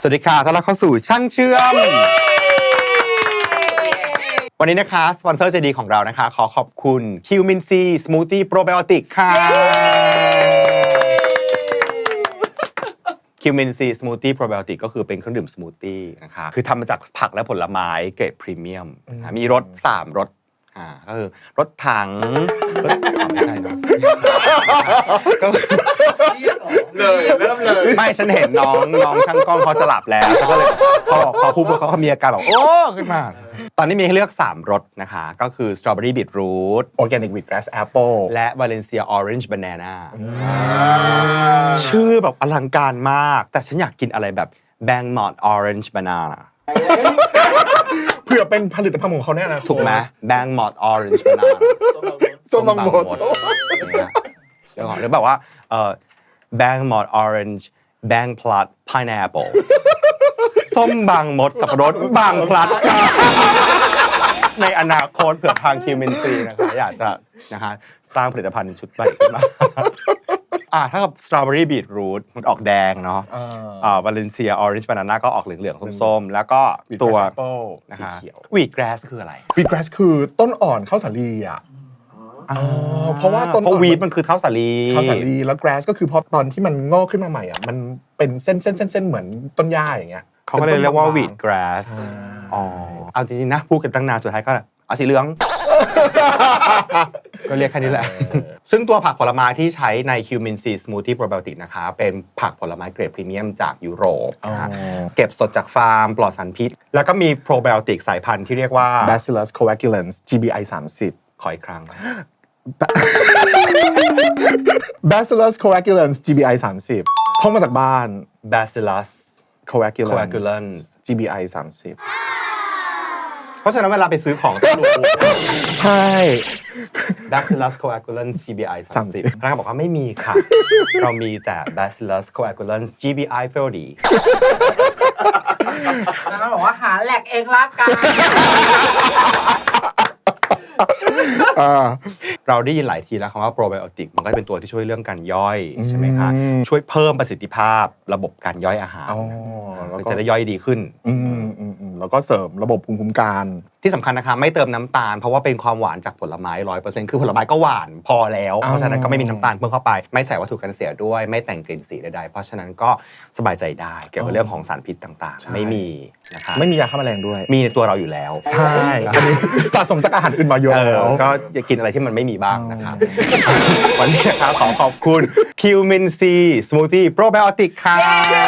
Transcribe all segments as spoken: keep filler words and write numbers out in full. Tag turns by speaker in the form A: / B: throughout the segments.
A: วัสดีค่ะต้อนรับเข้าสู่ช่างเชื่อมวันนี้นะคะสปอนเซอร์ใจดีของเรานะคะขอขอบคุณคิวมินซีสมูทตี้โปรไบโอติกค่ะคิวมินซีสมูทตี้โปรไบโอติกก็คือเป็นเครื่องดื่มสมูทตี้นะคะคือทำมาจากผักและผลไม้เกรดพรีเมียมมีรสสามรสอ่าก็คือรถถังรถไม่ใช่เนาะก็เลยเริ่มเลยไม่ฉันเห็นน้องน้องช่างกล้องเขาจะหลับแล้วก็เลยพอพอพูดเขาเขามีอาการแบบโอ้ขึ้นมาตอนนี้มีให้เลือกสามรสนะคะก็คือสตรอเบอรี่บีทรูท
B: Organic Wheatgrass Apple
A: และวาเลนเซียออเรนจ์บานาน่าชื่อแบบอลังการมากแต่ฉันอยากกินอะไรแบบแบงมอดออเรนจ์บานาน่า
B: เพื่อเป็นผลิตภัณฑ์ของเขาแน่นะ
A: ถูกไหมแบงมอดออเรนจ์บานาน่า
B: ส้มบางมด
A: เดี๋ยวก่อนหรือแบบว่าเอ่อแบงมอดออเรนจ์แบงพลัดพายแอปเปิลส้มบางมดสับปะรดบางพลัดในอนาคตเผื่อทางคิวมินซีนะคะอยากจะนะคะสร้างผลิตภัณฑ์ชุดใหม่ขึ้นมาอ่าถ้ากับสตรอเบอรี่บีทรูทมันออกแดงเนาะอ่าวาเลนเซียออเรนจ์บานาน่าก็ออกเหลืองๆส้มๆแล้วก็ตัวนะคะวีทแกรสคืออะไร
B: Wheatgrass คือต้นอ่อนข้าวสาลีอ่ะเพราะว่าต้น
A: เพราะวีทมันคือข้าวสาลี
B: ข้าวสาลีแล้ว grass ก็คือพอตอนที่มันงอกขึ้นมาใหม่อ่ะมันเป็นเส้นเส้นเส้นเส้นเหมือนต้นหญ้าอย่างเงี้ย
A: เขาก็เลยเรียกว่าวีทแกรสอ๋อเอาจริงๆนะพูดกันตั้งนานสุดท้ายก็เอาสีเหลืองก็เรียกแค่นี้แหละซึ่งตัวผักผลไม้ที่ใช้ในคิวมินซีสมูทตี้โปรไบโอติกนะคะเป็นผักผลไม้เกรดพรีเมียมจากยุโรปนะเก็บสดจากฟาร์มปลอดสารพิษแล้วก็มีโปรไบโอติกสายพันธุ์ที่เรียกว่า
B: Bacillus coagulans จี บี ไอ สามสิบ
A: ขออีกครั้ง
B: Bacillus coagulans จี บี ไอ สามสิบท่องมาจากบ้าน
A: Bacillus
B: coagulans
A: coagulans
B: จี บี ไอ สามสิบ
A: เพราะฉะนั้นเวลาไปซื้อของต้องรู้
B: ใช่
A: Bacillus coagulans จี บี ไอ สามสิบพนักงานบอกว่าไม่มีค่ะ เรามีแต่ Bacillus coagulans จี บี ไอ สี่สิบ
C: แล้วก็บอกว่าหาแหลกเองละกัน
A: เราได้ยินหลายทีแล้วคำว่าโปรไบโอติกมันก็เป็นตัวที่ช่วยเรื่องการย่อยใช่ไหมคะช่วยเพิ่มประสิทธิภาพระบบการย่อยอาหารจะได้ย่อยดีขึ้น
B: แล้วก็เสริมระบบภูมิคุ้มกัน
A: ที่สำคัญนะคะไม่เติมน้ำตาลเพราะว่าเป็นความหวานจากผลไม้ ร้อยเปอร์เซ็นต์ คือผลไม้ก็หวานพอแล้วเพราะฉะนั้นก็ไม่มีน้ำตาลเพิ่มเข้าไปไม่ใส่วัตถุกันเสียด้วยไม่แต่งกลิ่นสีใดๆเพราะฉะนั้นก็สบายใจได้เกี่ยวกับเรื่องของสารพิษต่างๆไม่มีนะคะ
B: ไม่มียาฆ่าแมลงด้วย
A: มีในตัวเราอยู่แล้ว
B: ใช่สะสมจากอาหารอื่นมาเยอะแล้ว
A: ก็อย่ากินอะไรที่มันไม่มีบ้างนะครับวันนี้นะครับขอขอบคุณคิวมินซีสมูทตี้โปรไบโอติกค่ะ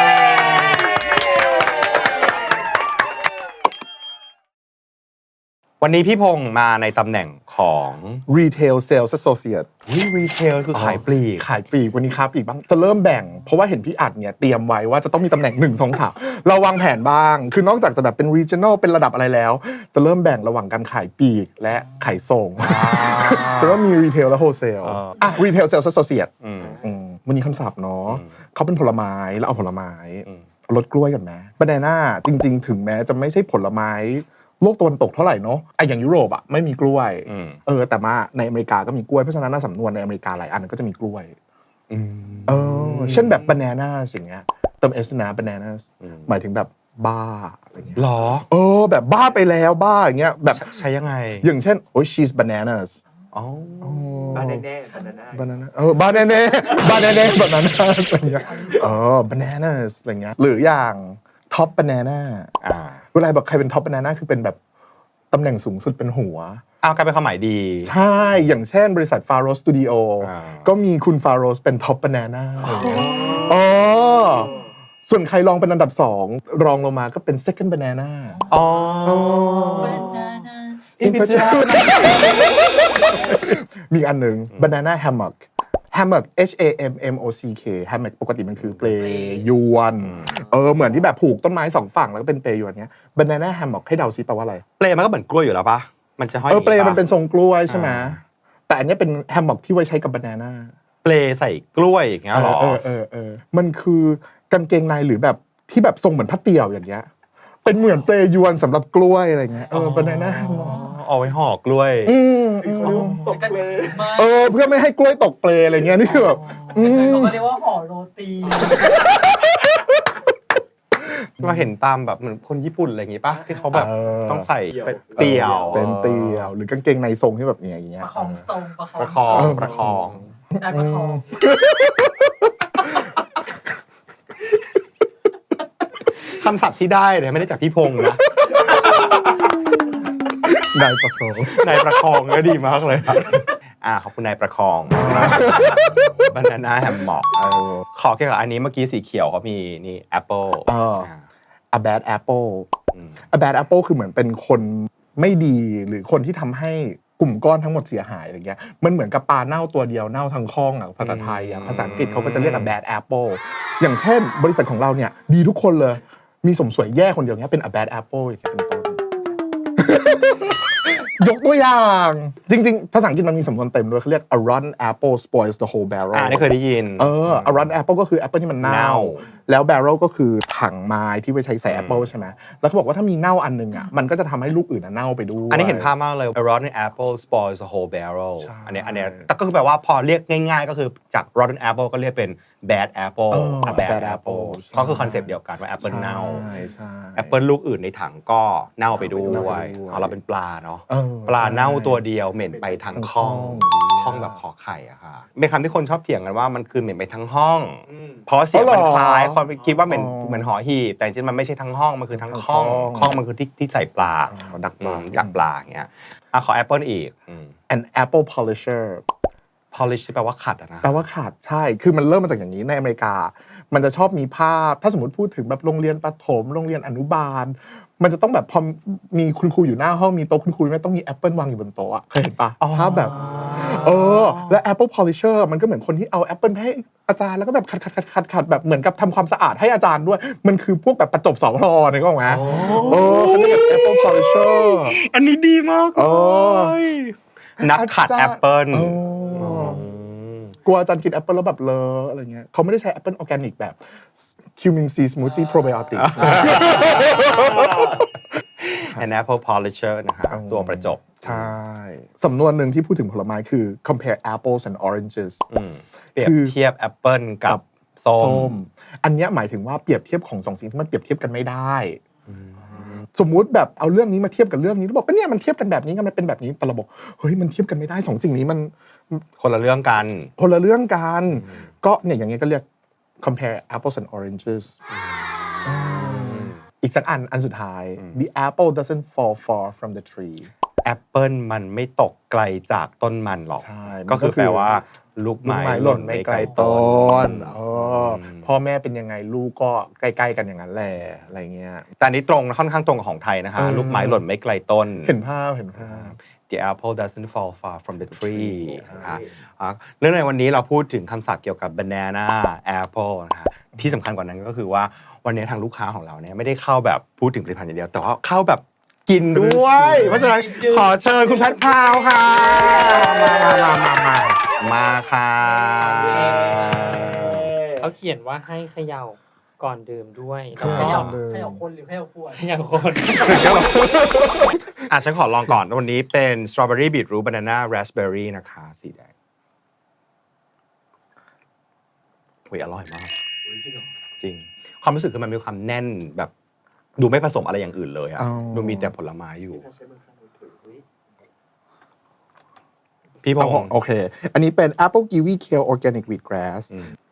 A: วันนี้พี่พงษ์มาในตำแหน่งของ
B: Retail Sales Associate
A: นี่รีเทลคือขายปลีก
B: ขายปลีกวันนี้ค้าปลีกบ้างจะเริ่มแบ่งเพราะว่าเห็นพี่อัดเนี่ยเตรียมไว้ว่าจะต้องมีตำแหน่งหนึ่ง สอง สามเราวางแผนบ้างคือนอกจากจะแบบเป็น Regional เป็นระดับอะไรแล้วจะเริ่มแบ่งระหว่างการขายปลีกและขายส่งจะว่ามี Retail และ Wholesale อ่ะ Retail Sales Associate วันนี้คำศัพท์เนาะเขาเป็นผลไม้แล้วเอาผลไม้รสกล้วยกันไหมบานาน่าจริงๆถึงแม้จะไม่ใช่ผลไม้โลกตะวันตกเท่าไหร่เนาะไอ้อย่างยุโรปอ่ะไม่มีกล้วยเออแต่มาในอเมริกาก็มีกล้วยเพราะฉะนั้นสำนวนในอเมริกาหลายอันก็จะมีกล้วยเออเช่นแบบ banana สิ่งเงี้ยเติม s นะ banana หมายถึงแบบบ้าอะไรเงี้ย
A: หรอ
B: เออแบบบ้าไปแล้วบ้าอย่างเงี้ยแบบ
A: ใช้ยังไง
B: อย่างเช่นโอ้ย she's bananas
A: อ๋อบ้าแน่ๆ
B: banana เออบ้าแน่ๆบ้าแน่ๆ banana อะไรเงี้ยเออ bananas อะไรเงี้ยหรืออย่างท็อปบานาน่าอ่าเวลาแบบใครเป็นท็อปบานาน่าคือเป็นแบบตำแหน่งสูงสุดเป็นหัว
A: อ้าวกลายเป็นความหมายดี
B: ใช่อย่างเช่นบริษัทฟาโรสสตูดิโอก็มีคุณฟาโรสเป็นท็อปบานาน่าอ๋อส่วนใครลองเป็นอันดับสองรองลงมาก็เป็น second banana
A: อ๋อ
B: อินพิชมีอันหนึ่ง banana hammock hammock H A M M O C K hammock ปกติมันคือเปลยวนเออเหมือนที่แบบผูกต้นไม้สองฝั่งแล้วก็เป็นเปลยวนเนี้ย banana hammock ให้เดาซิแปลว่าอะไร
A: เปลมันก็เหมือนกล้วยอยู่แล้วปะมันจะห้อย
B: เออเปลมันเป็นทรงกล้วยใช่ไหมแต่อันนี้เป็น hammock ที่ไว้ใช้กับ banana
A: เปลใส่กล้วยอย่างเงี้ยหรอ
B: เออเออเออมันคือกางเกงในหรือแบบที่แบบทรงเหมือนผ้าเตี่ยวอย่างเงี้ยเป็นเหมือนเปลยวนสำหรับกล้วยอะไรเงี้ยเออ banana
A: เอาไว้ห่อกล้วย
C: ตกเปล
B: เออเพื่อไม่ให้กล้วยตกเปลอะไรเงี้ยนี่แบบ
C: เขาก็เรียกว่าห่อโรตี
A: เราเห็นตามแบบเหมือนคนญี่ปุ่นอะไรอย่างงี้ป่ะที่เขาแบบ
B: เออ
A: ต้องใส่เป็นเตี่ยว
B: เป็นเตียวหรือกางเกงในทรงที่แบบเนี้ยอย่างเงี้ย
C: ประคองทรงประคอง
A: ประคอง
C: ทรง
A: ประคอง
C: ได้ประคอง
A: คำศัพท์ที่ได้เนี่ยไม่ได้จากพี่พงษ์นะ
B: นายประคอง
A: นายประคองก็ดีมากเลยครับอ่าขอบคุณนายประคองบานาน่าแฮมหมอก
B: เออ
A: ขอเกี่ยวกับอันนี้เมื่อกี้สีเขียวเขามีนี่แอปเปิล
B: เออ a bad apple
A: อืม
B: a bad apple คือเหมือนเป็นคนไม่ดีหรือคนที่ทำให้กลุ่มก้อนทั้งหมดเสียหายอะไรเงี้ยมันเหมือนกับปลาเน่าตัวเดียวเน่าทั้งข้องอ่ะภาษาไทยอ่ะภาษาอังกฤษเขาก็จะเรียก a bad apple อย่างเช่นบริษัทของเราเนี่ยดีทุกคนเลยมีสมสวยแย่คนเดียวเนี้ยเป็น a bad apple อย่างเงี้ยเป็นต้น ยกตัวอย่างจริงๆ ภาษาอังกฤษมันมีสำนวนเต็มด้วยเขาเรียก a rotten apple spoils the whole barrel
A: อ่านี่เคยได้ยิน
B: เออ a rotten apple ก็คือแอปเปิลที่มันเน่า
A: เน่า
B: แล้ว barrel ก็คือถังไม้ที่ไว้ใช้ใส่แอปเปิลใช่ไหมแล้วเขาบอกว่าถ้ามีเน่าอันนึงอ่ะมันก็จะทำให้ลูกอื่นอะเน่าไปด้วย
A: อันนี้เห็นภาพมากเลย a rotten apple spoils the whole barrel
B: ใช่
A: อันนี้อันนี้แต่ก็คือแปลว่าพอเรียกง่ายๆ ก็คือจาก rotten apple ก็เรียกเป็น bad apple
B: เออ
A: a bad
B: bad
A: apple
B: apple ใช่
A: ก็คือคอนเซปต์เดียวกันว่า apple เน่า
B: ใช่ใช่
A: แอปเปิลลูกอื่นในถังก็เน่าไปด้
B: เน่า
A: ว
B: ไป
A: ย
B: ด้วย
A: เอาเราเป็นปลาเนาะ
B: เออ
A: ปลาเน่า
B: ใช่
A: ตัวเดียวเหม็นไปทั้งห้อง
B: ทั้งห้อง
A: ห้องแบบขอไข่อะค่ะเป็นคำที่คนชอบเถียงกันว่ามันคือเหม็นไปทั้งห้อง เพราะเสียงมันคล้ายคนคิดว่าเหม็นเหมือนหอหีบแต่จริงๆมันไม่ใช่ทั้งห้องมันคือทั้งห้องห้องมันคือที่ที่ใส่ปลา
B: อ๋อดักป
A: อื
B: ลาม
A: ดักปลาอย่างเงี้ยอ่ะขอแอปเปิลอีกอืม
B: an apple polisher
A: polish ที่แปลว่าขัดอะนะ
B: แปลว่าขาดใช่ คือมันเริ่มมาจากอย่างนี้ในอเมริกา มันจะชอบมีภาพ ถ้าสมมติพูดถึงแบบโรงเรียนประถม โรงเรียนอนุบาล มันจะต้องแบบพอมีคุณครูอยู่หน้าห้องมีโต๊ะคุณครูไม่ต้องมีแอปเปิลวางอยู่บนโต๊ะอะเคยเห็นปะภาพแบบ เออ และ Apple Polisher มันก็เหมือนคนที่เอาแอปเปิลให้อาจารย์แล้วก็แบบขัดขัดขัดขัดขัดแบบเหมือนกับทำความสะอาดให้อาจารย์ด้วย มันคือพวกแบบประจบสอพลอเนี่ยก็ไหมเออเขาเรียก Apple Polisher
A: อันนี้ดีมาก
B: เออ
A: นักขัดแอปเปิล
B: เออ กลัวอาจารย์กินแอปเปิลแล้วแบบเลอะอะไรเงี้ยเขาไม่ได้ใช้แอปเปิลออร์แกนิกแบบคิวมินซีสมูทตี้โปรไบโอติกส์
A: an apple polisher นะฮะตัวประจบ
B: ใช่ สำนวนหนึ่งที่พูดถึงผลไม้คือ compare apples and oranges
A: อืมเปรียบ
B: คือ
A: เทียบแอปเปิลกับส้ม
B: อันเนี้ยหมายถึงว่าเปรียบเทียบของสองสิ่งที่มันเปรียบเทียบกันไม่ได้ สมมุติแบบเอาเรื่องนี้มาเทียบกับเรื่องนี้แล้วบอกว่าเนี่ยมันเทียบกันแบบนี้กันมันเป็นแบบนี้แต่เราบอกเฮ้ยมันเทียบกันไม่ได้สองสิ่งนี้มัน
A: คนละเรื่องกัน
B: คนละเรื่องกันก็เนี่ยอย่างเงี้ยก็เรียก compare apples and oranges อีกสักอันอันสุดท้าย the apple doesn't fall far from the tree
A: แอปเปิลมันไม่ตกไกลจากต้นมันหรอก
B: ใช่
A: ก็คือ
B: มันก็คือ
A: แปลว่าลูก
B: ลูก
A: ไม้
B: ไม้
A: ห
B: ห
A: ล่
B: ล่
A: น
B: น
A: ไม่
B: ไม่
A: ไก
B: ไก
A: ล
B: ล
A: ต้
B: ต้
A: น
B: นเออพ่อแม่เป็นยังไงลูกก็ใกล้ๆกันอย่างนั้นแหละอะไรเงี้ย
A: แต่อันนี้ตรงค่อนข้างตรงกับของไทยนะคะ
B: เออ
A: ลูกไม้หล่นไม่ไกลต้น
B: เห็นภาพเห็นภาพ
A: The apple doesn't fall far from the tree นะคะอ่ะเรื่องในวันนี้เราพูดถึงคำศัพท์เกี่ยวกับ banana apple นะคะที่สำคัญกว่านั้นก็คือว่าวันนี้ทางลูกค้าของเราเนี่ยไม่ได้เข้าแบบพูดถึงผลิตภัณฑ์อย่างเดียว แต่ว่าเข้าแบบกินด้วย เพราะฉะนั้นขอเชิญคุณแพทพราวค่ะ
B: มามามามา
A: มาค่ะ
D: เขาเขียนว่าให้เขย่าก่อนดื่มด้วยแล้ว
C: เข
D: ก็
C: ย่าเขย่าคนหรือเขย่าขวด
D: เขย่าคน
A: อ่ะฉันขอลองก่อนวันนี้เป็น strawberry beetroot banana raspberry นะคะสีแดงอุ้ยอร่อยมากจริงความรู้สึกคือมันมีความแน่นแบบดูไม่ผสมอะไรอย่างอื่นเลยอะ
B: อ๋อ
A: ดูมีแต่ผลไม้อยู่ พี่พ
B: เอา
A: งษ์
B: โอเค อันนี้เป็น apple kiwi kale organic wheatgrass
A: อืม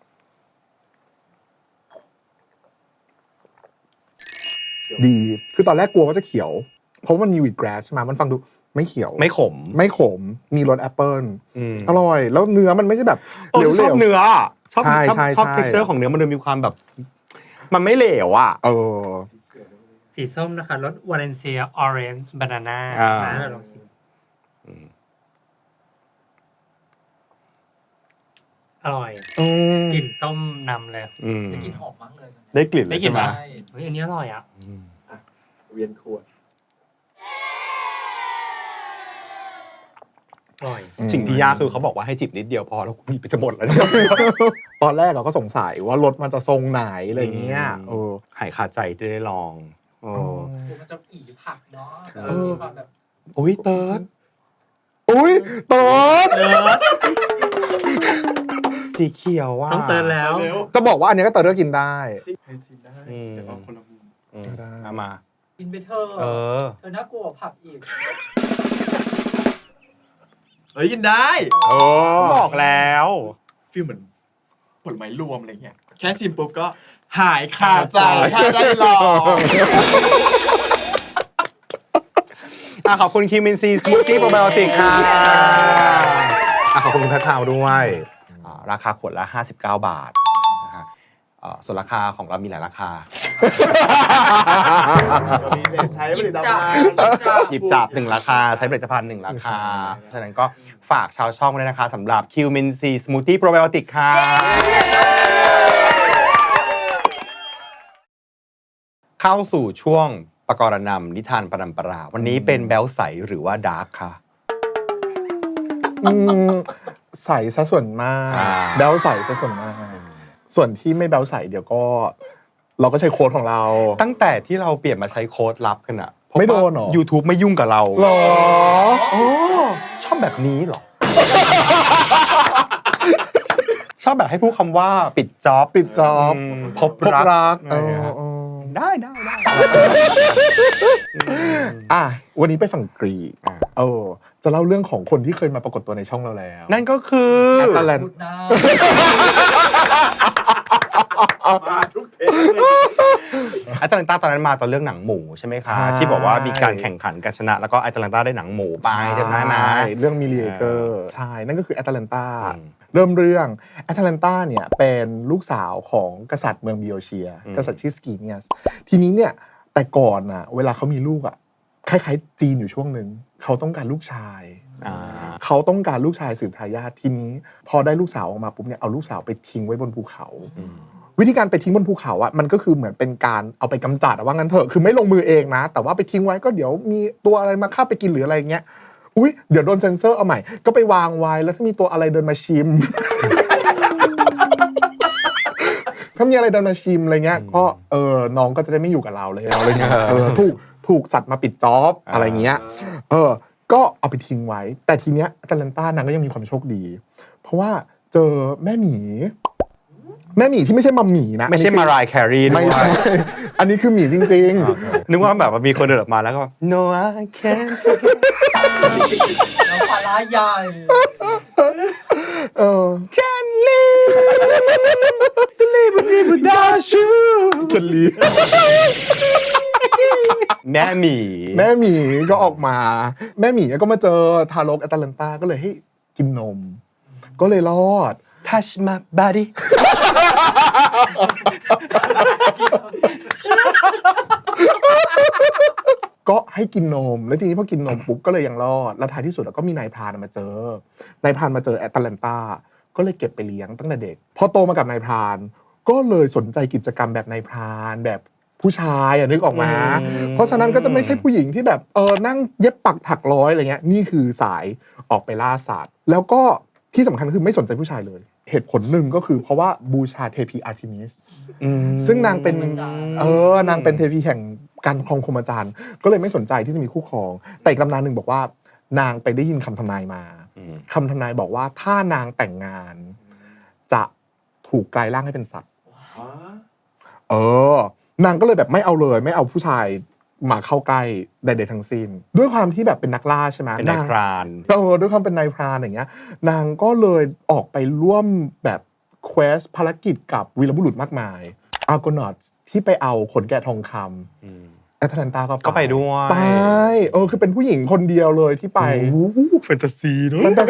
B: ดี คือตอนแรกกลัวว่าจะเขียว เพราะว่ามันมี wheatgrass ใช่ไหมมันฟังดูไม่เขียว
A: ไม่ขม
B: ไม่ขม มีรสแอปเปิล
A: อืม
B: อร่อย แล้วเนื้อมันไม่ใช่แบบ
A: โอ้
B: เหลว
A: ชอบ
B: ๆ
A: เนื้อชอบ
B: ใช่
A: ชอบ
B: ใช่
A: ชอบ
B: ใช่
A: texture ของเนื้อมันดูมีความแบบ มันไม่เหลวอ่ะ
B: เออ
D: สีส้มนะคะรสวาเลนเซียออเรนจ์บานาน่า
A: อ่า
D: นะเราลองชิมอร่อย
B: อืม
D: กลิ่นส้มนำเลย
A: อืม
C: จะกินหอมมากเลยนะ
A: ได้กลิ่นเล
D: ได้
A: ย
D: กลิ่
A: ใช่
D: น
A: ไหม
D: ปะ เฮ้ยอันนี้อร่อยอ่ะ
A: อืม
B: เวียนขวด
D: อร่อย
A: สิ่งที่ยากคือเขาบอกว่าให้จิบนิดเดียวพอแล้วกูหยิบไปจะหมดแล้วเนี่ย
B: ตอนแรกเราก็สงสัยว่ารถมันจะทรงไหนอะไรเงี้ยเออ
A: หายคาใจที่ได้ลองโอ้
C: คือมันจะอีผักเนาะ
A: เออ
C: มีความแบบ
A: โอ้ยเติร์ด
B: อุ้ยเติร์ด
D: เติร์ด
A: สีเขียวว่ะ
D: ต้องเติร์ดแล้ว
B: จะบอกว่าอันเนี้ยก็เติร์ดก็กินได้
A: อืมเอามา
C: กินไปเธอะ
A: เออ
C: เธอน่ากลัวกว่าผักอีก
E: เฮ้ยกินได้
B: โอ้
A: บอกแล้ว
E: ฟีลเหมือนผลไม้รวมอะไรเงี้ยแค่ชิมปุ๊บก็หายคาใจ
B: คาใจ
E: ถ้าได้ลอง
A: อ่ะขอบคุณคิวมินซีสมูทตี้โปรไบโอติกค่ะอ่ะขอบคุณคุณทักทาวด้วยอ่าราคาขวดละห้าสิบเก้าบาทนะฮะอ่าส่วนราคาของเรามีหลายราคา
E: มีเนี่ยใช้ผลิตภัณฑ์
A: หยิบจับหนึ่งราคาใช้ผลิตภัณฑ์หนึ่งราคา ฉะนั้นก็ฝากชาวช่องด้วยนะคะสำหรับคิวมินซีสมูทตี้โปรไบโอติกค่ะ เข้าสู่ช่วงประกรณำนิทานปรัมปรา วันนี้เป็นแบลใสหรือว่าดาร์กค่ะ
B: อืมใส่ซะส่วนมาก
A: อ่า
B: แบลใส่ซะส่วนมาก ส่วนที่ไม่แบลใส่เดี๋ยวก็ เราก็ใช้โค้ดของเรา
A: ตั้งแต่ที่เราเปลี่ยนมาใช้โค้ดลับกันอะพบ
B: ไม่โดน
A: ว่า
B: เหรอ
A: YouTube ไม่ยุ่งกับเรา
B: หรอ
A: โอ้ชอบแบบนี้เหรอ ชอบแบบให้พูดคำว่าปิดจ็อบ
B: ปิดจ็อบ
A: มพบ
B: พบ
A: รัก
B: รัก
A: อะไรอย่างเงี้ย
B: เออ
A: ได้ได้ได้
B: อ่ะวันนี้ไปฝั่งกรีก
A: อ่า
B: เออจะเล่าเรื่องของคนที่เคยมาปรากฏตัวในช่องเราแล้ว
A: นั่นก็คือ
B: แอตแลน
C: พูดหน้า
E: มาทุกเทปเลย
A: แอตแลนตาตอนนั้นมาตอนเรื่องหนังหมูใช่ไหมคะ
B: ใช่
A: ที่บอกว่ามีการแข่งขันกันชนะ แล้วก็แอตแลนตาได้หนังหมูไปจำได้ไหม
B: เรื่องมิลเลเกอร์ใช่นั่นก็คือแอตแลนตา
A: อืม
B: เริ่มเรื่องแอตแลนตาเนี่ยเป็นลูกสาวของกษัตริย์เมืองบิโอเชีย
A: อืม
B: กษัตริย์ชื่อสกีเนียสทีนี้เนี่ยแต่ก่อนน่ะเวลาเขามีลูกอ่ะคล้ายๆจีนอยู่ช่วงหนึ่งเขาต้องการลูกชาย
A: อ่า
B: เขาต้องการลูกชายสืบทายาททีนี้ พอได้ลูกสาวออกมาปุ๊บเนี่ยเอาลูกสาวไปทิ้งไว้บนภูเขา
A: อืม
B: วิธีการไปทิ้งบนภูเขาอ่ะมันก็คือเหมือนเป็นการเอาไปกำจัดอะว่างั้นเถอะคือไม่ลงมือเองนะ แต่ว่าไปทิ้งไว้ก็เดี๋ยวมีตัวอะไรมาฆ่าไปกินหรืออะไรเงี้ยอุ้ยเดี๋ยวโดนเซ็นเซอร์เอาใหม่ก็ไปวางไว้แล้วถ้ามีตัวอะไรเดินมาชิม ถ้ามีอะไรเดินมาชิมอะไรเงี้ยก็เออน้องก็จะได้ไม่อยู่กับเราเลยอะไรเงี้ยเออถูกถูกสัตว์มาปิดจ็อบอะไรเงี้ยเออก็เอาไปทิ้งไว้ แต่ทีเนี้ยแอตแลนตานางก็ยังมีความโชคดี เพราะว่าเจอแม่หมี แม่หมีที่ไม่ใช่มัมหมีนะ
A: ไม่ใช่มารายแครีด้ว
B: ไม่
A: ย
B: ใช่ อันนี้คือหมีจริง
A: นึกว่าแบบว่ามีคนเดินออกมาแล้วก็แบบ no I can't
C: แล้วปลาร้าใหญ่
B: ๆ เออ
A: can't live to live without you
B: จะลี
A: แม่หมี
B: แม่หมีก็ออกมา แม่หมีก็มาเจอทารกแอตแลนตาก็เลยให้กินนม ก็เลยรอด
A: touch my body
B: ก็ให้กินนม แล้วทีนี้พอกินนมปุ๊บก็เลยยังรอด แล้วท้ายที่สุดก็มีนายพรานมาเจอ นายพรานมาเจอแอตแลนตาก็เลยเก็บไปเลี้ยงตั้งแต่เด็ก พอโตมากับนายพรานก็เลยสนใจกิจกรรมแบบนายพรานแบบผู้ชายอะนึกออกมา
A: อืม
B: เพราะฉะนั้นก็จะไม่ใช่ผู้หญิงที่แบบเออนั่งเย็บปักถักร้อยอะไรเงี้ย นี่คือสายออกไปล่าสัตว์ แล้วก็ที่สำคัญคือไม่สนใจผู้ชายเลย เหตุผลหนึ่งก็คือเพราะว่าบูชาเทพีอาร์เทมิส
A: อืม
B: ซึ่งนางเป็นเออนางเป็นเทพีแห่งการครองพรหมจรรย์ก็เลยไม่สนใจที่จะมีคู่ครอง แต่อีกตำนานหนึ่งบอกว่า นางไปได้ยินคำทำนายมา
A: อืม
B: คำทำนายบอกว่าถ้านางแต่งงาน จะถูกกลายร่างให้เป็นสัตว์ เออนางก็เลยแบบไม่เอาเลยไม่เอาผู้ชายมาเข้าใกล้ใดๆทั้งสิ้น ด้วยความที่แบบเป็นนักล่าใช่ไหม
A: เป็นนายพราน
B: เออด้วยความเป็นนายพรานอย่างเงี้ย นางก็เลยออกไปร่วมแบบเควสภารกิจกับวีรบุรุษมากมายอาร์โกนอตที่ไปเอาขนแกะทองค
A: อืม
B: ำแอตแลนตาก็
A: ก็ไปด้วย
B: ไปเออคือเป็นผู้หญิงคนเดียวเลยที่ไป
A: แฟนตาซีเนอะ
B: มันแต่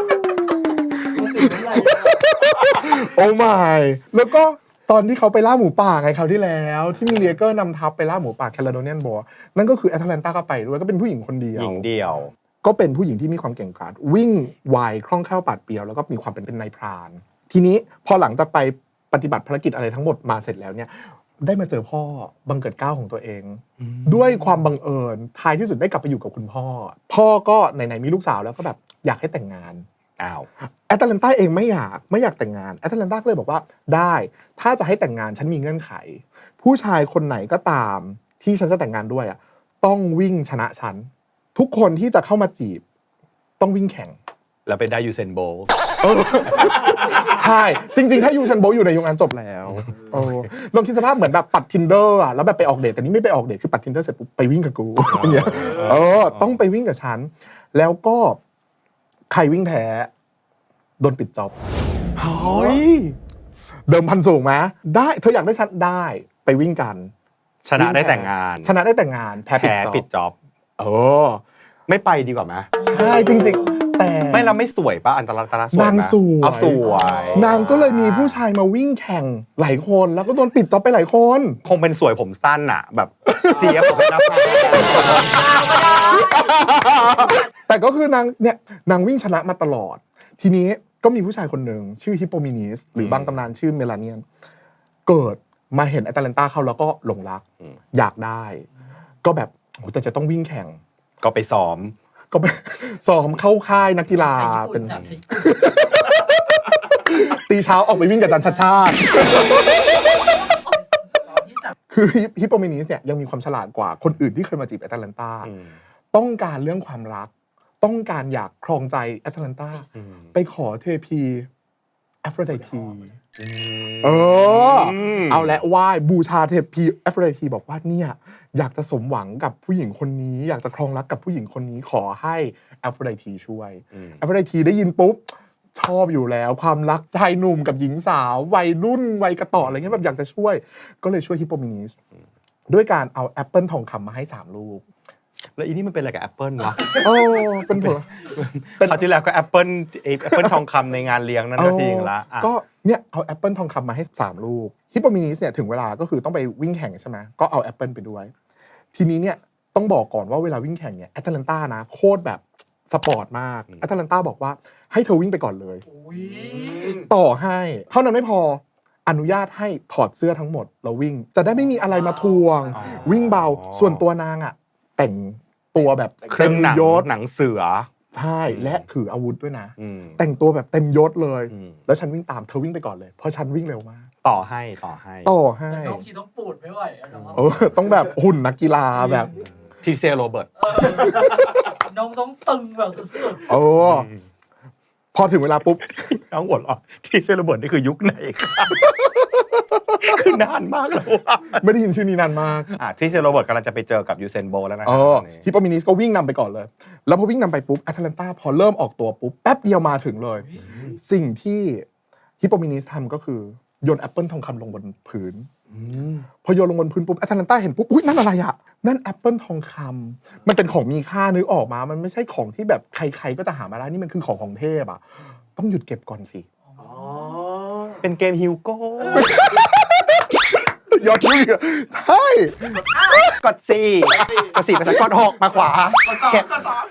B: โอ้ my แล้วก็ตอนที่เขาไปล่าหมูป่าไงคราวที่แล้ว ที่มีเลียเกอร์นำทัพไปล่าหมูป่าแคลาโดเนียนบอร์นั่นก็คือแอตแลนตาก็ไปด้วยก็เป็นผู้หญิงคนเดียว
A: หญิงเดียว
B: ก็เป็นผู้หญิงที่มีความเก่งกาจวิ่งไวคล่องแคล่วปราดเปรียวแล้วก็มีความเป็นเป็นนายพราน ทีนี้พอหลังจากไปปฏิบัติภารกิจอะไรทั้งหมดมาเสร็จแล้วเนี่ยได้มาเจอพ่อบังเกิดเกล้าของตัวเอง ด้วยความบังเอิญท้ายที่สุดได้กลับไปอยู่กับคุณพ่อ พ่อก็ไหนๆมีลูกสาวแล้วก็แบบอยากให้แต่งงาน
A: อ้าว
B: แอตแลนตาเองไม่อยากไม่อยากแต่งงานแอตแลนตาก็เลยบอกว่าได้ถ้าจะให้แต่งงานฉันมีเงื่อนไข ผู้ชายคนไหนก็ตามที่ฉันจะแต่งงานด้วยอ่ะต้องวิ่งชนะฉันทุกคนที่จะเข้ามาจีบต้องวิ่งแข่ง
A: แล้วไปได้ยูเซนโบลต์
B: ใช่จริงๆ ถ้ายูเซนโบลต์อยู่ในยุคนั้นจบแล้วโอ้ลองคิดสภาพเหมือนแบบปัด Tinder อ่ะแล้วแบบไปออกเดทแต่นี่ไม่ไปออกเดทคือปัด Tinder เสร็จปุ๊บไปวิ่งกับกูอย่างเงี้ยเออต้องไปวิ่งกับฉันแล้วก็ใครวิ่งแพ้โดนปิดจ็อบ
A: เฮ้ย
B: เดิมพันสูงไหมได้เธออยากได้ชัดได้ไปวิ่งกัน
A: ชนะได้แต่งงาน
B: ชนะได้แต่งงานแพ้ปิด
A: แพ้
B: จ็อบ
A: ปิดจ็อบ
B: เออ
A: ไม่ไปดีกว่าไหม
B: ใช่จริงๆ แต่
A: ไม่เราไม่สวยปะอันตรายตราสวยไหม
B: นางสวย
A: เอาสวย
B: นางก็เลยมีผู้ชายมาวิ่งแข่งหลายคนแล้วก็โดนปิดจ็อบไปหลายคน
A: คงเป็นสวยผมสั้นอะแบบเจี๊ยบผมเป็นนักพาก
B: แต่ก็คือนางเนี่ยนางวิ่งชนะมาตลอด ทีนี้ก็มีผู้ชายคนหนึ่งชื่อฮิปโปมินิสหรือบางตำนานชื่อเมลาเนียนเกิดมาเห็นแอตแลนตาเข้าแล้วก็หลงรักอยากได้ ก็แบบโอ้แต่จะต้องวิ่งแข่ง
A: ก็ไปซ้อม
B: ก็ไป ซ้อมเข้าค่ายนักกีฬา
C: เป็
B: เป็น น
C: สามที่
B: ตีเช้าออกไปวิ่งกับจันชัดชาติ
C: ที่สาม
B: คือฮิปโปมินิสเนี่ยยังมีความฉลาดกว่าคนอื่นที่เคยมาจีบแอตแลนตาต้องการเรื่องความรัก ต้องการอยากครองใจแอตแลนตาไปขอเทพีแอฟโรไดทีเออเอาและไหว้บูชาเทพีแอฟโรไดทีบอกว่าเนี่ยอยากจะสมหวังกับผู้หญิงคนนี้ อยากจะครองรักกับผู้หญิงคนนี้ขอให้แอฟโรไดทีช่วยแอฟโรไดทีได้ยินปุ๊บชอบอยู่แล้วความรักชายหนุ่มกับหญิงสาววัยรุ่นวัยกระต่ออะไรเงี้ยแบบอยากจะช่วยก็เลยช่วยฮิปโปมินิสด้วยการเอาแอปเปิลทองคำมาให้สามลูก
A: แล้วอีนี่มันเป็นอะไรกับแอปเปิลวะ
B: โอ้เป็นผล
A: คราวที่แล้วก็แอปเปิลแอปเปิลทองคำในงานเลี้ยงนั่นก็จริงละอ่ะ
B: ก็เนี่ยเอาแอปเปิลทองคำมาให้สามลูกฮิปโปมินิสเนี่ยถึงเวลาก็คือต้องไปวิ่งแข่งใช่ไหมก็เอาแอปเปิลไปด้วยทีนี้เนี่ยต้องบอกก่อนว่าเวลาวิ่งแข่งเนี่ยแอตแลนตานะโคตรแบบสปอร์ตมากแอตแลนตาบอกว่าให้เธอวิ่งไปก่อนเลยต่อให้เท่านั้นไม่พออนุญาตให้ถอดเสื้อทั้งหมดแล้ววิ่งจะได้ไม่มีอะไรมาทวงวิ่งเบาส่วนตัวนางอ่ะแต่งตัวแบบ
A: เครื่องหนัง
B: ยศ
A: หนังเสือ
B: ใช่และถืออาวุธด้วยนะ
A: อืม
B: แต่งตัวแบบเต็มยศเลย
A: อืม
B: แล้วฉันวิ่งตามเธอวิ่งไปก่อนเลยเพราะฉันวิ่งเร็วมาก
A: ต่อให้ต่อให้
B: ต่อให้
C: น้องชีต้องปูดไม่ไหวอะน้อง
B: เออต้องแบบหุ่นนักกีฬาแบบ
A: ทีเซโรเบิร์ต
C: น้องต้องตึงแบบสุด
B: โอ้พอถึงเวลาปุ๊บ
A: น้องหัวเราะทีเซโรเบิร์ตนี่คือยุคไหนครับคือนานมากแล้วอะ
B: ไม่ได้ยินชื่อนี้นานมาก
A: อ่ะทีเซโรเบิร์ตกำลังจะไปเจอกับยูเซนโบลแล้วนะค
B: เอ
A: รับ
B: อ
A: ตอนนี้
B: ฮิปโปมินิสก็วิ่งนำไปก่อนเลย แล้วพอวิ่งนำไปปุ๊บแอตแลนตาพอเริ่มออกตัวปุ๊บแป๊บเดียวมาถึงเลย สิ่งที่ฮิปโปมินิสทำก็คือโยนแอปเปิลทองคำลงบนพื้นพอโยนลงบนพื้นปุ๊บแอตแลนตาเห็นปุ๊บอุ๊ยนั่นอะไรอ่ะนั่นแอปเปิลทองคำมันเป็นของมีค่านึกออกมามันไม่ใช่ของที่แบบใครๆก็จะหามาได้นี่มันคือของของเทพอ่ะต้องหยุดเก็บก่อนสิ
A: เป็นเกมฮิวโก้
B: ยอดวิ่งอะใช่
A: กดสี่กดสี่ไปสักกดหกมาขวาเก็บ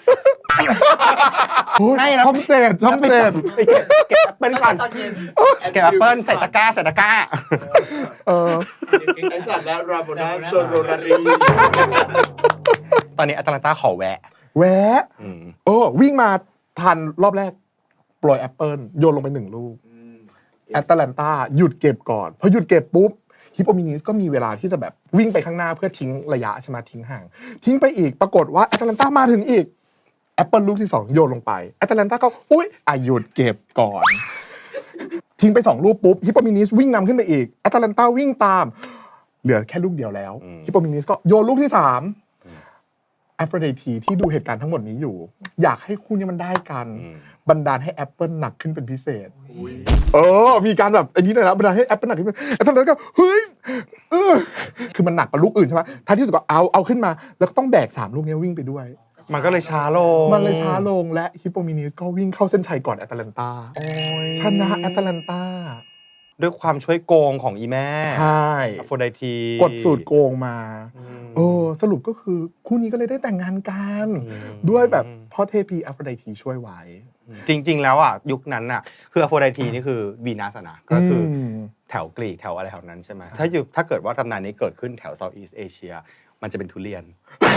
B: โอ้ย
A: ให้แล้ว
B: ช่องเจ็ดช่องเจ็ด
A: เก็บแอปเปิล
C: ๆ
A: ก่อน
C: ตอนเย็น
A: เก็บแอปเปิลใส่ตะกร้าใส่ตะกร้า
B: เออ
E: ไอสัตว์และราโบนาโซโรรารี
A: ตอนนี้แอตแลนตาขอแวะ
B: แวะ
A: อืม
B: โอ้วิ่งมาทันรอบแรกปล่อยแอปเปิลโยนลงไปหนึ่งลูกแอตแลนตาหยุดเก็บก่อนพอหยุดเก็บปุ๊บฮิปโปมินิสก็มีเวลาที่จะแบบวิ่งไปข้างหน้าเพื่อทิ้งระยะใช่ไหมทิ้งห่าง ทิ้งไปอีกปรากฏว่าแอตแลนตามาถึงอีกแอปเปิลลูกที่สองโยนลงไปแอตแลนตาก็อุ๊ยอ่ะหยุดเก็บก่อน ทิ้งไปสองลูกปุ๊บฮิปโปมินิสวิ่งนำขึ้นไปอีกแอตแลนตาวิ่งตาม เหลือแค่ลูกเดียวแล้วฮิปโปมินิสก็โยนลูกที่สามแอฟโรไดทีที่ดูเหตุการณ์ทั้งหมดนี้อยู่ อยากให้คู่นี้มันได้กันบันดาลให้แอปเปิลหนักขึ้นเป็นพิเศษเออมีการแบบอันนี้เลยนะบันดาลให้แอปเปิลหนักขึ้นแอปเปิลก็เฮ้ยเออคือมันหนักกว่าลูกอื่นใช่ไหมท้ายที่สุดก็เอาเอาขึ้นมา แล้วก็ต้องแบกสามลูกนี้วิ่งไปด้วย
A: มันก็เลยช้าลง
B: มันเลยช้าลงและฮิปโปมินิสก็วิ่งเข้าเส้นชัยก่อนแอตแลนตาชนะแอตแลนตา
A: ด้วยความช่วยโกงของอีแม่
B: ใช่
A: อโฟไดที
B: กดสูตรโกงมาเออสรุปก็คือคู่นี้ก็เลยได้แต่งงานกันด้วยแบบพ่อเทพีแอฟโรไดทีช่วยไว้
A: จริง ๆ แล้วอ่ะยุคนั้นอ่ะคืออโฟไดทีนี่คือวีนัสนะก็คืออ
B: ม
A: แถวกรีกแถวอะไรแถวนั้นใช่ไหมถ้าอยู่ถ้าเกิดว่าตำนานนี้เกิดขึ้นแถวเซาท์อีสเอเชียมันจะเป็นทุเรียน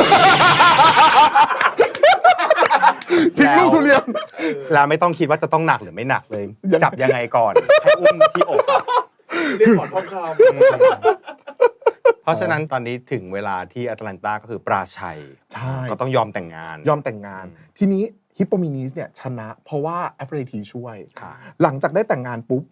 B: ทิ้งลูกทุเรียน
A: แล้วไม่ต้องคิดว่าจะต้องหนักหรือไม่หนักเลย
B: ยัง
A: จับยังไงก่อน ให้อุ้มที่อกอะ
E: เรียกขอนทองค
A: เพราะฉะนั้นตอนนี้ถึงเวลาที่แอตแลนตาก็คือปราชัย
B: ใช่
A: ก็ต้องยอมแต่งงาน
B: ยอมแต่งงาน ทีนี้ฮิปโปมินิสเนี่ยชนะเพราะว่าแอฟโรไดทีช่วย
A: ค่ะ
B: หลังจากได้แต่งงานปุ๊บ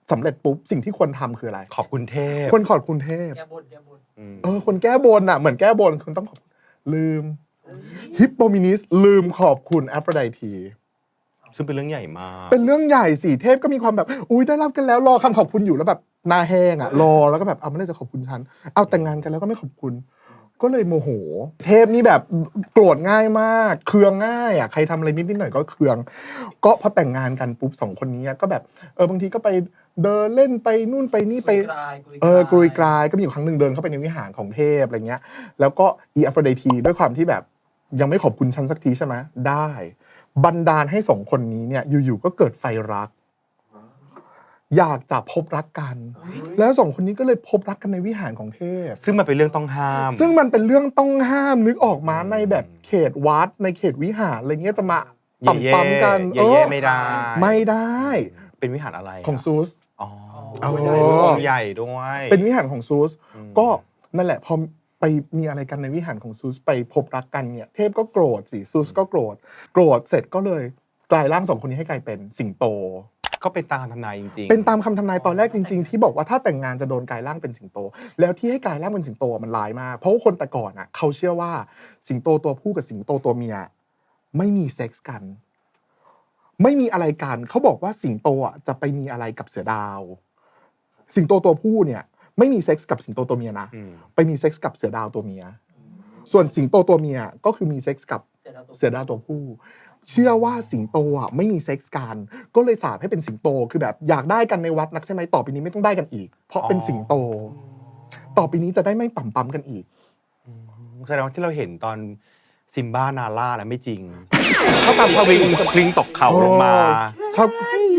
B: สำเร็จปุ๊บสิ่งที่ควรทำคืออะไร
A: ขอบคุณเทพ
B: ควรขอบคุณเทพ
C: แกบนแกบน
A: อืม
B: เออคนแก้บนอ่ะเหมือนแก้บนคุณต้องขอบลืมฮิปโปมินิสลืมขอบคุณแอฟโรไดที
A: ซึ่งเป็นเรื่องใหญ่มาก
B: เป็นเรื่องใหญ่สิเทพก็มีความแบบอุ้ยได้รับกันแล้วรอคำขอบคุณอยู่แล้วแบบหนาแห้งอ่ะรอแล้วก็แบบเอาไม่ได้จะขอบคุณฉันเอาแต่งงานกันแล้วก็ไม่ขอบคุณ ก็เลยโมโห เทพนี่แบบโกรธง่ายมากเคืองง่ายอ่ะใครทำอะไรนิดนิดหน่อยก็เคือง ก็พอแต่งงานกันปุ๊บสองคนนี้ก็แบบเออบางทีก็ไปเดินเล่นไปนู่นไปนี่ไป
C: กลาย
B: เออกรุยกรายก็มีอยู่ครั้งหนึ่งเดินเข้าไปในวิหารของเทพอะไรเงี้ยแล้วก็อีอัฟโรไดทีด้วยความที่แบบยังไม่ขอบคุณฉันสักทีใช่ไหมได้บันดาลให้สองคนนี้เนี่ยอยู่ๆก็เกิดไฟรัก อยากจะพบรักกัน แล้วสองคนนี้ก็เลยพบรักกันในวิหารของเทพ
A: ซึ่งมันเป็นเรื่องต้องห้าม
B: ซึ่งมันเป็นเรื่องต้องห้ามนึกออกมาในแบบเขตวัดในเขตวิหารอะไรเงี้ยจะมา
A: เย่
B: ปั๊มๆกัน
A: เย่เย่ไม่ได้
B: ไม่ได้
A: เป็นวิหารอะไระ
B: ของซูส
A: อ๋อ
B: อ๋อ
A: องค์ใหญ่ด้วย
B: เป็นวิหารของซูส
A: อืม
B: ก็นั่นแหละพอไปมีอะไรกันในวิหารของซูสไปพบรักกันเนี่ยเทพก็โกรธสิซูสก็โกรธโกรธเสร็จก็เลยกลายร่างสองคนนี้ให้กลายเป็นสิงโต
A: ก็เป็นตามทำนายจริงๆ
B: เป็นตามคำทำนายตอนแรกจริง ๆ ที่บอกว่าถ้าแต่งงานจะโดนกลายร่างเป็นสิงโต แล้วที่ให้กลายร่างเป็นสิงโตมันร้ายมากเพราะว่าคนแต่ก่อนอ่ะเขาเชื่อว่าสิงโตตัวผู้กับสิงโตตัวเมียไม่มีเซ็กส์กัน ไม่มีอะไรกันเขาบอกว่าสิงโตอ่ะจะไปมีอะไรกับเสือดาว สิงโตตัวผู้เนี่ยไม่มีเซ็กส์กับสิงโตตัวเมียนะ
A: อืม
B: ไปมีเซ็กส์กับเสือดาวตัวเมีย ส่วนสิงโตตัวเมียก็คือมีเซ็กส์กับ
C: เสร็จแล้วตัว
B: เสือดาวตัวผู้ เชื่อว่าสิงโตอ่ะไม่มีเซ็กส์กันก็เลยสาปให้เป็นสิงโตคือแบบอยากได้กันในวัดนักใช่ไหมต่อไปนี้ไม่ต้องได้กันอีก เพราะเป็นสิงโต ต่อไปนี้จะได้ไม่ปั๊มปั๊มๆกันอีก
A: แสดงว่าที่เราเห็นตอนซิมบ้านาร่านะไม่จริงเขาตามเขาวิ่งจะปลิงตกเขาลงมา
B: ชอบ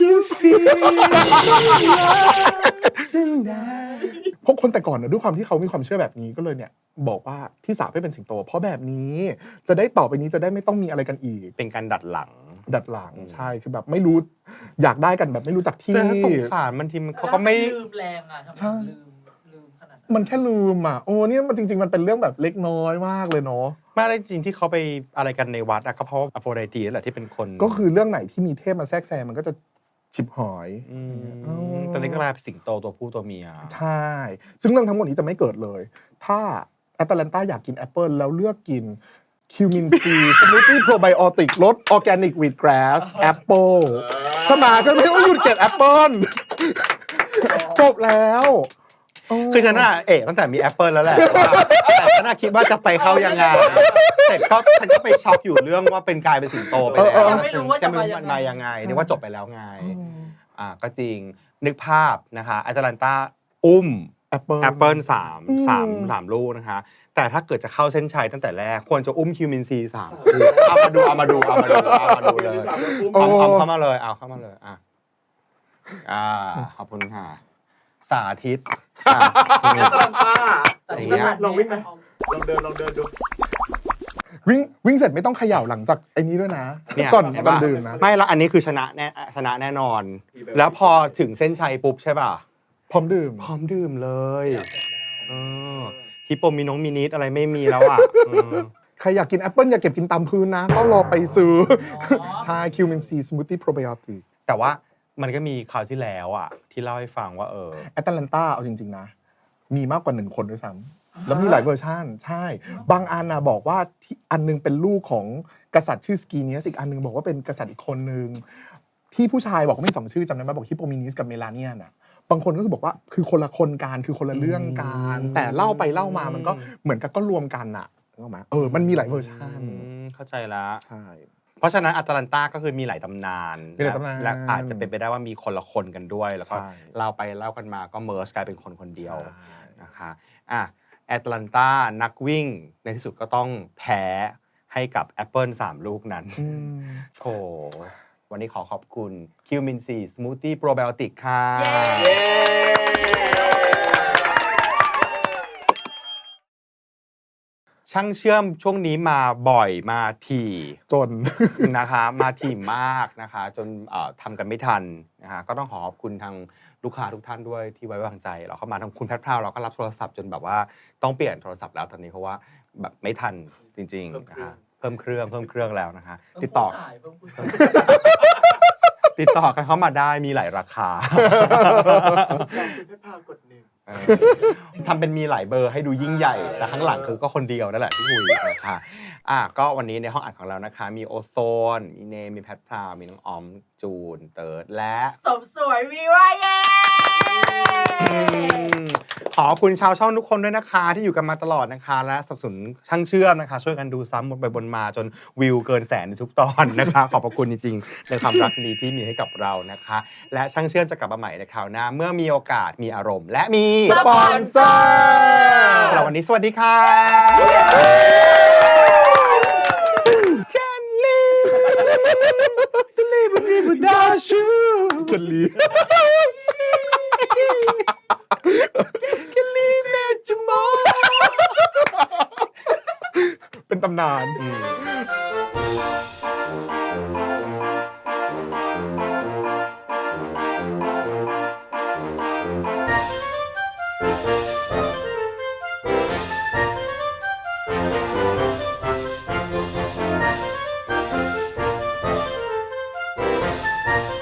B: พวกคนแต่ก่อนนะด้วยความที่เขามีความเชื่อแบบนี้ก็เลยเนี่ยบอกว่าที่สาปให้เป็นสิงโต เพราะแบบนี้จะได้ต่อไปนี้จะได้ไม่ต้องมีอะไรกันอีก
A: เป็นการดัดหลัง
B: ดัดหลังใช่คือแบบไม่รู้อยากได้กันแบบไม่รู้จักที่
A: แต่ถ้าสงสารมันทีมันเขาก็ไม่
C: ลืมแรงอ่ะทำไม
B: ใช่
C: ลืมลืมขนาดนั้น
B: มันแค่ลืมอ่ะโอ้เนี่ยมันจริง ๆ มันเป็นเรื่องแบบเล็กน้อยมากเลยเนาะ
A: ไม่ได้จริงที่เขาไปอะไรกันในวัดอะก็เพราะว่าอโฟไดตีนั่นแหละที่เป็นคน
B: ก็คือเรื่องไหนที่มีเทพมาแทรกแซงมันก็จะฉิบหอย
A: มตอนนี้ก็กลายเป็นสิงโตตัวผู้ตัวเมีย
B: ใช่ ซึ่งเรื่องทั้งหมดนี้จะไม่เกิดเลย ถ้าแอตแลนตาอยากกินแอปเปิลแล้วเลือกกินคิวมินซีสมูทตี้โปรไบโอติกรสออร์แกนิกวีทแกรสแอปเปิลสมาก็ไม่ต้องหยุดเก็บแอปเปิลจบแล้วโ
A: คือฉันน่ะเอะตั้งแต่มีแอปเปิลแล้วแหละแต่ฉันน่ะคิดว่าจะไปเข้ายังไงเสร็จก็ฉันก็ไปช็อกอยู่เรื่องว่าเป็นกลายเป็นสิงโตไปแล้ว
B: เออเออ
C: ไม่รู้ว่าจะมายังไง
A: มันมายังไงนึกว่าจบไปแล้วไง
B: อืม
A: อ่าก็จริงนึกภาพนะคะแอตแลนตาอุ้ม
B: แอปเปิล
A: แอปเปิลสาม
B: อืม
A: สามสามลูกนะคะ แต่ถ้าเกิดจะเข้าเส้นชัยตั้งแต่แรกควรจะอุ้มคิวมินซีสามคู่เอามาดูเอามาดูเอามาดูเอามาดูเลยเอาเอาเข้ามาเลยเอาเข้ามาเลยอ่ะอ่าขอบคุณค่ะ สาธิตสาธิต
E: ตอนป้า
C: แต่
A: อย่าง
C: นี่
A: เงี้ย
C: ก็สั่น
E: ลองวิ่งไหม ลองเดินลองเดินดู
B: วิ่งวิ่งเสร็จไม่ต้องเขย่าหลังจากไอ้นี้ด้วยนะ
A: เนี่ย
B: ก่อน
A: เห็น
B: ก่อน
A: ปะ
B: ดื่มนะ
A: ไม่ละอันนี้คือชนะแน่ชนะแน่นอน แล้วพอถึงเส้นชัยปุ๊บใช่ป่ะ
B: พร้อมดื่ม
A: พร้อมดื่มเลยเออฮิปโปมีน้องมินิสอะไรไม่มีแล้วอ่ะอืม
B: ใครอยากกินแอปเปิลอย่าเก็บกินตามพื้นนะ ก็รอไปซื้ออใช่คิวมินซีสมูทตี้โปรไบโอติก
A: แต่ว่ามันก็มีคราวที่แล้วอ่ะ ที่เล่าให้ฟังว่าเออ
B: แอตแลนตาเอาจริง ๆ นะ มีมากกว่าหนึ่งคนด้วยซ้ำแล้วมีหลายเวอร์ชันใช่ บางอันนะบอกว่าที่อันนึงเป็นลูกของกษัตริย์ชื่อสกีเนียสอีกอันนึงบอกว่าเป็นกษัตริย์อีกคนนึงที่ผู้ชายบอกว่ามีสองชื่อจำได้ไหมบอกฮิปโปมินิสกับเมลาเนียนอ่ะบางคนก็คือบอกว่าคือคนละคนกันคือคนละเรื่องกัน
A: อืม
B: แต่เล่าไปเล่ามามันก็เหมือนกับก็รวมกันอ่ะนึกออกไหมเออมันมีหลายเวอร์ชัน
A: อืมเข้าใจแล้ว
B: ใช่
A: เพราะฉะนั้นอัตแลนตาก็คือมีหลายตำนาน
B: มีหลายตำนาน
A: และอาจจะเป็นไปได้ว่ามีคนละคนกันด้วย แล้วก็
B: ใช่
A: เล่าไปเล่ากันมาก็เมิร์ชกลายเป็นคนคนเดียว
B: ใช่
A: นะคะอ่ะแอตแลนตานักวิ่งในที่สุดก็ต้องแพ้ให้กับแอปเปิลสามลูกนั้น
B: อืม
A: โอ้วันนี้ขอขอบคุณคิวมินซีสมูทตี้โปรไบโอติกค่ะ
C: เย้
A: ช่างเชื่อมช่วงนี้มาบ่อยมาถี่
B: จน
A: นะคะมาถี่มากนะคะจนเอ่อทำกันไม่ทันนะคะก็ต้องขอขอบคุณทางลูกค้าทุกท่านด้วยที่ไว้วางใจเราเข้ามาทางคุณแพทพราวเราก็รับโทรศัพท์จนแบบว่าต้องเปลี่ยนโทรศัพท์แล้วตอนนี้เพราะว่าแบบไม่ทันจริงๆนะคะเพิ่มเครื่องเพิ่มเครื่องแล้วนะคะติดต่อ
C: เพิ่มผู้สายเพิ่มผู้สาย
A: ตติดต่อกันเข้ามาได้มีหลายราคา
E: คุณเพชรพราวกดหนึ่ง
A: ทำเป็นมีหลายเบอร์ให้ดูยิ่งใหญ่ แต่ข้างหลังคือก็คนเดียวนั่นแหละที่คุยนะคะอ่ะก็วันนี้ในห้องอัดของเรานะคะ มีโอโซน มีเนมมีแพทพราว มีน้องออมจูน เติร์ดและ
C: สมสวยวีวาเย่
A: ขอบคุณชาวช่องทุกคนด้วยนะคะที่อยู่กันมาตลอดนะคะ และสนับสนุนช่างเชื่อมนะคะ ช่วยกันดูซ้ำบนไปบนมาจนวิวเกินแสนในทุกตอนนะคะ ขอบพระคุณจริงๆในความรักดีที่มีให้กับเรานะคะ และช่างเชื่อมจะกลับมาใหม่ในคราวหน้าเมื่อมีโอกาสมีอารมณ์ และมี
B: สปอนเซอร์
A: สำหรับวันนี้สวัสดีค่ะ Can live to live without you
B: จะลี
A: Can live at tomorrow
B: เป็นตำนาน
A: อืม